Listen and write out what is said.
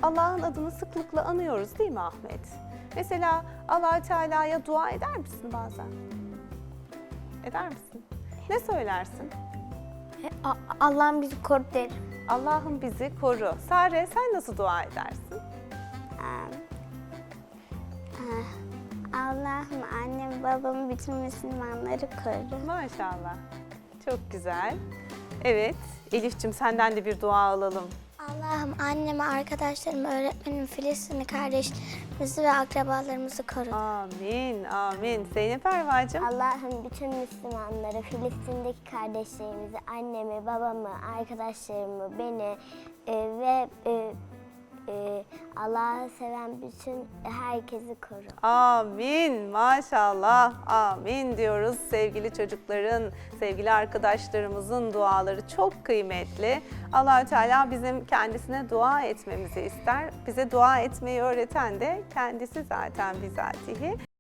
Allah'ın adını sıklıkla anıyoruz değil mi Ahmet? Mesela Allah-u Teala'ya dua eder misin bazen? Eder misin? Ne söylersin? Allah'ım bizi koru derim. Allah'ım bizi koru. Sare, sen nasıl dua edersin? Allah'ım annem babamı bütün Müslümanları koru. Maşallah. Çok güzel. Evet, Elif'ciğim senden de bir dua alalım. Allah'ım annemi, arkadaşlarımı, öğretmenimi, Filistinli kardeşlerimizi ve akrabalarımızı koru. Amin, amin. Zeynep Erva'cığım. Allah'ım bütün Müslümanları, Filistin'deki kardeşlerimizi, annemi, babamı, arkadaşlarımı, beni ve Allah'ı seven bütün herkesi koru. Amin, maşallah, amin diyoruz. Sevgili çocukların, sevgili arkadaşlarımızın duaları çok kıymetli. Allah-u Teala bizim kendisine dua etmemizi ister. Bize dua etmeyi öğreten de kendisi zaten bizatihi.